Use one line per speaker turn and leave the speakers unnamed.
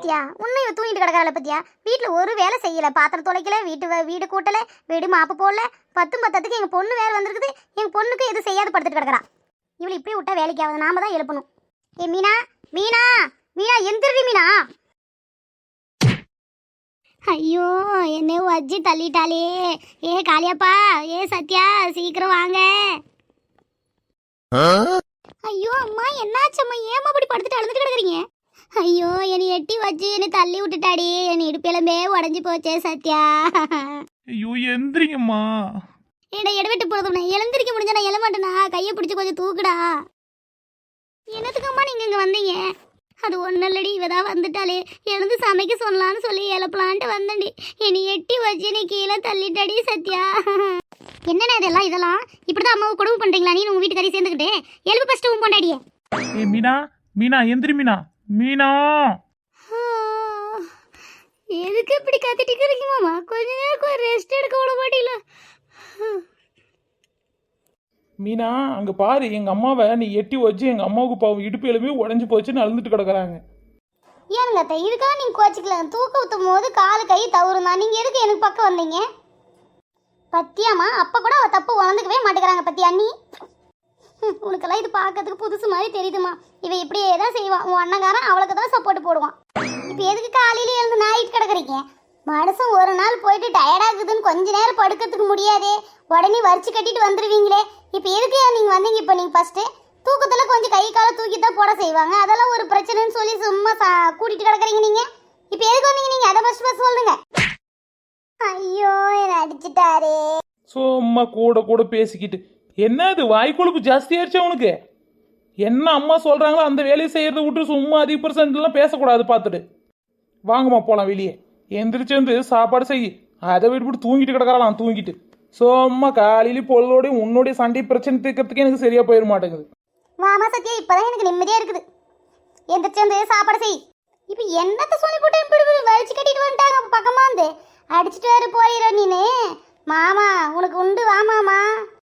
பத்தியா உன்னை தூங்கிட்டு கிடக்கறாள பத்தியா? வீட்டுல ஒரு வேலை செய்யல, பாத்திரம் துளைக்கல, வீடு கூட்டல, வீடு மாப்பு போடல, 10 எங்க பொண்ணு வேற வந்திருக்குது. எங்க பொண்ணுக்கு எது செய்யாது படுத்துட்டு கிடக்குறா. இவளை இப்படி விட்டா வேலைக்கு ஆகுது, நாம தான் எழுப்பணும். ஏ மீனா, மீனா, மீனா எந்திரடி மீனா. ஐயோ என்ன வச்சு தள்ளிட்டாளே. ஏ காளியாப்பா, ஏ சத்யா, சீக்கிரம் வாங்க. ஐயோ அம்மா, என்னாச்சம்மா? ஏமா அப்படி படுத்துட்டு அழுதுட்டு கிடக்குறீங்க? ஐயோ என்னை எட்டி வச்சு என்னை தள்ளி விட்டுட்டாடி. என் இடுப்பெலும்பே உடஞ்சி போச்சே சத்யா.
ஐயோ எந்திரிங்கம்மா.
ஏடா எடுவிட்டு போறது, நான் எழுந்திருக்க முடிஞ்சா நான் எழமாட்டேனா? கையை பிடிச்சி கொஞ்சம் தூக்குடா. என்னத்துக்கம்மா நீங்க இங்க வந்தீங்க? அது ஒன்றும் இல்லடி, இவதான் வந்துட்டாலே, எழுந்து சமைக்க சொல்லலான்னு சொல்லி எழுப்பலான்ட்டு வந்தேன்டி. என்னை எட்டி வச்சு நீ கீழே தள்ளிட்டாடி சத்யா. என்னண்ணா இதெல்லாம் இப்படிதான் அம்மாவை கொடுமை பண்றீங்களா? நீ உங்க வீட்டுக்காரி சேர்ந்துக்கிட்டு எழுப்பு ஃபர்ஸ்ட் உன் பொண்டாடியே.
ஏ மீனா, மீனா எந்திரி மீனா. மீனா
எதுக்கு இப்படி கத்திட்டு இருக்கீங்க மாமா? கொஞ்ச நேரம் ரெஸ்ட் எடுக்க விட மாட்டீங்களா?
மீனா அங்க பாரு, எங்க அம்மாவை நீ எட்டி வச்சு எங்க அம்மாவுக்கு பாவம் இடுப்பு எலும்பி உடஞ்சி போச்சுன்னு அழுந்துட்டு கிடக்குறாங்க.
ஏனுங்க அத்தை, இதுக்காக நீங்க கோச்சிக்கலாம். தூக்க ஊத்தும் போது காலு கை தவறுனா நீங்க எதுக்கு எனக்கு பக்கம் வந்தீங்க? பத்தியாமா, அப்ப கூட அவ தப்பு உணர்ந்துக்கவே மாட்டேங்கிறாங்க பத்தியா நீ. உனக்கெல்லாம் இது பார்க்கறதுக்கு புதுசு மாதிரி தெரியுதுமா. இவ இப்படியே தான் செய்வான். உன் அண்ணங்காரன் அவளுக்கு தான் சப்போர்ட் போடுவான். இப்போ எதுக்கு காலையில எழுந்து நாயிட்டு கிடக்குறீங்க? மனுஷன் ஒரு நாள் போயிட்டு டயர்டாகுதுன்னு கொஞ்ச நேரம் படுக்கிறதுக்கு முடியாதே, உடனே வரிச்சு கட்டிட்டு வந்துடுவீங்களே. இப்போ எதுக்கு நீங்க வந்தீங்க? இப்போ நீங்க ஃபர்ஸ்ட் தூக்கத்துல கொஞ்சம் கை காலை தூக்கி தான் போட செய்வாங்க, அதெல்லாம் ஒரு பிரச்சனைன்னு சொல்லி சும்மா கூட்டிட்டு கிடக்குறீங்க நீங்க. இப்போ எதுக்கு வந்தீங்க நீங்க? அதை ஃபர்ஸ்ட் சொல்லுங்க. ஐயோ என்ன அடிச்சிட்டாரே.
சும்மா கூட கூட பேசிக்கிட்டு என்ன இது வாய்க்கொழுப்பு ஜாஸ்தியாயிருச்சா உனக்கு? என்ன அம்மா சொல்றாங்களோ அந்த வேலையை செய்யறத விட்டு சும்மா அதிக % பேசக்கூடாது. பார்த்துட்டு வாங்கம்மா போலாம் வெளியே. எந்திரிச்சு வந்து சாப்பாடு செய். அதை விட்டு தூங்கிட்டு கிடக்கலாம். தூங்கிட்டு சும்மா காலையில பொழுதோடையும் உன்னோடைய சண்டை பிரச்சனை தீர்க்கறதுக்கு எனக்கு சரியா போயிட மாட்டேங்குது.
வாமா சத்யா, இப்பதான் எனக்கு நிம்மதியா இருக்குது. எந்திரிச்சு வந்து சாப்பாடு செய். இப்போ என்னத்த சொல்லி போட்டு இப்படி வலிச்சு கட்டிட்டு வந்துட்டாங்க பக்கமா வந்து அடிச்சுட்டு வேறு போயிட நீனு. மாமா உனக்கு உண்டு, வா மாமா.